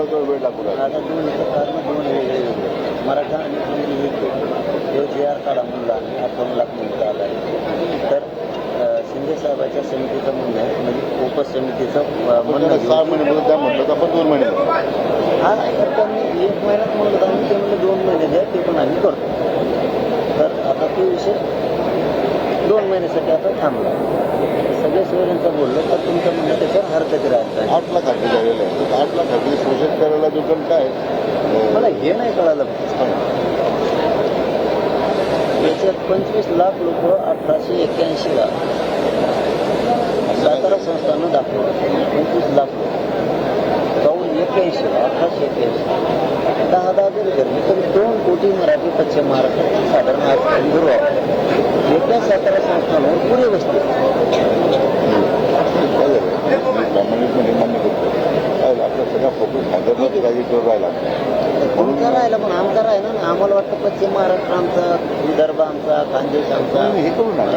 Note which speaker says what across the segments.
Speaker 1: महत्त्वाचा वेळ लागू लागला.
Speaker 2: आता दोन्हीचं कारण दोन वेगळे मराठा आणि हिंदी हे जे आर काढा म्हणला आणि 58 लाख म्हणता आला आहे. तर शिंदे साहेबाच्या समितीचं म्हणणं आहे, म्हणजे उपसमितीचं म्हणणं
Speaker 1: 6 महिने म्हणून त्या म्हटलं तर आपण 2 महिने
Speaker 2: हा तर त्यांनी 1 महिन्यात म्हणलं तर आम्ही ते म्हणलं 2 महिने द्या, ते पण आम्ही करतो. तर आता तो विषय 2 महिन्यासाठी आता थांबला. सगळे सोयऱ्यांचा बोललो तर तुमचं म्हणणं त्याच्यावर हरकत राहायचं.
Speaker 1: 8 लाख खाते झालेलं आहे. 8 लाख खाते शोषण करायला जो पण काय
Speaker 2: मला हे नाही कळालं. याच्यात 25 लाख लोक 1881ला सातारा संस्थानं दाखवलं. 25 लाख लोक 81ला 1881 10 जरी धरले तरी 2 कोटी मराठी पश्चिम महाराष्ट्रात साधारण आज दुर्वा एका सातारा संस्थानावर पुढे बसते.
Speaker 1: प्रामाणिकपणे मान्य करतो. आपला सगळा फोकस हैदराबाद राजकीयवर राहिला
Speaker 2: तुमचा राहिला पण आमचा राहिला ना. आम्हाला वाटतं पश्चिम महाराष्ट्र आमचा, विदर्भ आमचा, खानदेश आमचा.
Speaker 1: हे करू ना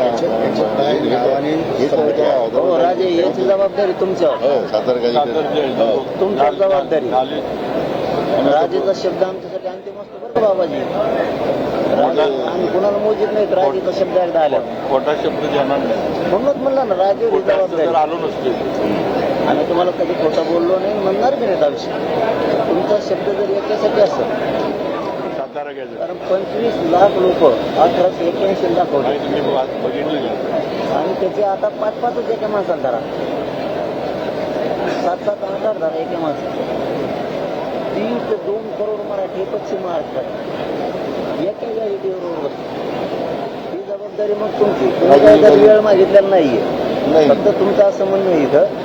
Speaker 2: हो राजे, याची जबाबदारी तुमच्यावर. तुमच्या जबाबदारी. राजेचा शब्द आमच्यासाठी अंतिम असतो बरं का बाबाजी. आम्ही कुणाला मोजित नाही. राजेचा शब्द एकदा आला
Speaker 3: खोटा शब्द देणार नाही.
Speaker 2: म्हणूनच म्हणला ना राजे जबाबदारी.
Speaker 3: आलो नसते
Speaker 2: आम्ही तुम्हाला कधी खोटं बोललो नाही, म्हणणार बी नाही आयुष्य. तुमचा शब्द जर याच्यासाठी असेल
Speaker 3: सातारा घ्यायचं.
Speaker 2: कारण 25 लाख लोक 1881 दाखवले
Speaker 3: तुम्ही बघितलं
Speaker 2: आणि त्याचे आता 5-5च एका माणसाला धरा, 7-7, 8-8 धरा एका माणसाला. 3 ते 2 करोड मराठी पश्चिम महाराष्ट्रात एका जागेवर ही जबाबदारी मग तुमची. तुम्ही काय जर वेळ मागितलेला नाहीये. फक्त तुमचं असं म्हणणं आहे इथं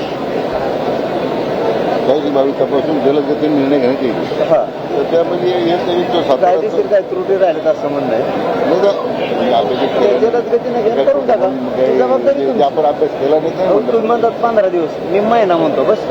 Speaker 1: 22 जलदगतीने निर्णय घेण्यात येईल.
Speaker 2: हा
Speaker 1: तर त्यामध्ये
Speaker 2: कायदेशीर काय त्रुटी राहिल्यात असं म्हणणं आहे. जलद गतीने घ्या, करून टाका. जबाबदारी तुमची.
Speaker 1: आपण अभ्यास केला नाही.
Speaker 2: तुम्ही म्हणतात 15 दिवस, मी महिना म्हणतो. बस का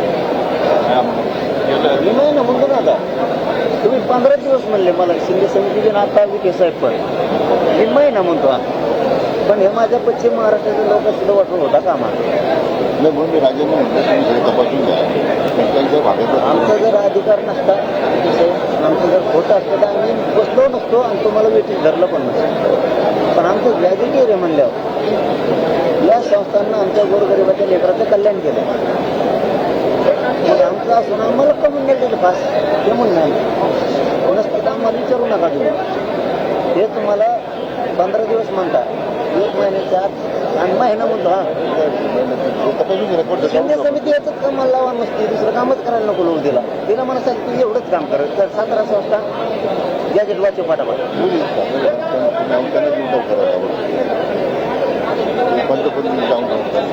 Speaker 2: मी महिना म्हणतो ना. आता तुम्ही 15 दिवस म्हणले मला शिंदे समितीचे आता विखे साहेब, पण मी महिना म्हणतो. पण हे माझ्या पश्चिम महाराष्ट्राच्या लोक सुद्धा वाटून होता कामा
Speaker 1: नाही म्हणून मी राजेंना म्हटलं तुम्ही सगळं तपासून द्या. त्यांच्या भागात
Speaker 2: आमचा जर अधिकार नसता, आमचं जर खोटं असतं तर आम्ही बसलो नसतो आणि तुम्हाला वेटीस धरलं पण नसतं. पण आमचं गॅजेटियर आहे म्हणल्यावर या संस्थांना आमच्या गोरगरिबाच्या लेकराचं कल्याण केलं. मग आमचं असून आम्हाला कमून नाही दिलं पास ते म्हणणं कोणाच आम्हाला विचारू नका तुम्ही. हे तुम्हाला 15 दिवस म्हणता, 1 महिन्याच्या आत आणि महिना म्हणतो. हा शिंदे समिती याचंच कामाला लावा नसते, दुसरं कामच करायला नको लोक दिला. तिला मला सांग तू एवढंच काम करत तर सातारा संस्था गॅजेट वाचव पाठापाठ.
Speaker 1: पंतप्रधान जाऊन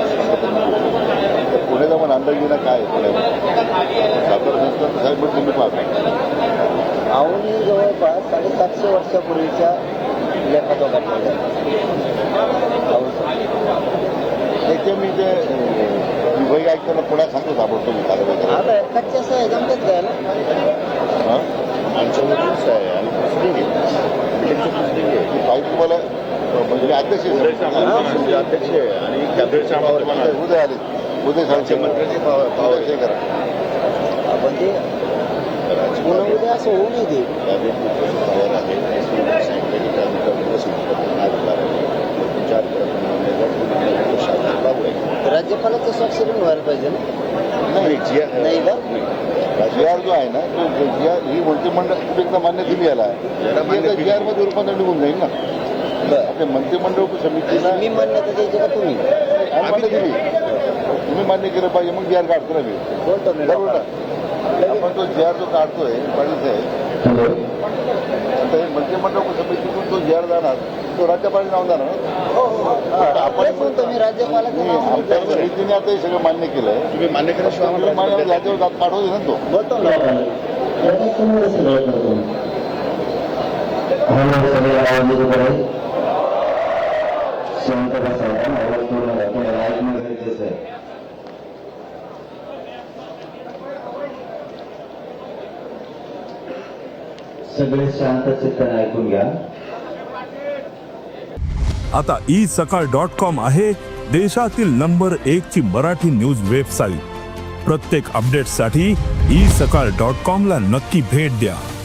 Speaker 1: पुणे जाऊन अंदाज घेणं काय पुण्यामध्ये सातारा संस्था साहेब तुम्ही पाहता.
Speaker 2: आवनी जवळपास 750 वर्षापूर्वीच्या लेखाचा काढलेला
Speaker 1: त्याचे मी ते विभाग ऐकताना पुण्यात सांगतो सापडतो मी कारवाई
Speaker 2: कच्च्या सह्या जमतात जायला.
Speaker 1: आमच्यावरच आहे आणि पाहिजे तुम्हाला म्हणजे अध्यक्ष
Speaker 3: अध्यक्ष आहे आणि कॅबिनेट
Speaker 1: उदय आले. उदय सांगते
Speaker 3: मंत्र्याचे
Speaker 1: हे करा.
Speaker 2: आपण ते पुन्हा उद्या असं होऊ नये ते. राज्यपालाचं स्वाक्षरी व्हायला पाहिजे ना. नाही का
Speaker 1: GR जो आहे ना तो GR ही मंत्रिमंडळ एकदा मान्य दिली याला GR मध्ये रूपांतर निघून जाईल ना. आपल्या मंत्रिमंडळ समितीला
Speaker 2: मी मान्यता द्यायची का तुम्ही
Speaker 1: मान्य दिली. तुम्ही मान्य केलं पाहिजे मग GR काढतो ना मी
Speaker 2: बोलतो मी.
Speaker 1: आपण तो GR जो काढतोय पाटील साहेब आता हे मंत्रिमंडळ समितीतून तो GR जाणार तो राज्यपालाचं नाव जाणार.
Speaker 2: आपण म्हणतो मी राज्यपालाचं नाव
Speaker 1: आमच्या समितीने आता हे सगळं मान्य केलंय. तुम्ही मान्य केल्याशिवाय राज्यावर जात पाठवते ना तो.
Speaker 2: बोलतो ना.
Speaker 4: सगळे शांत चित्ताने ऐकून घ्या.
Speaker 5: आता isakal.com आहे देशातील नंबर 1 ची मराठी न्यूज वेबसाईट. प्रत्येक अपडेटसाठी isakal.com ला नक्की भेट द्या.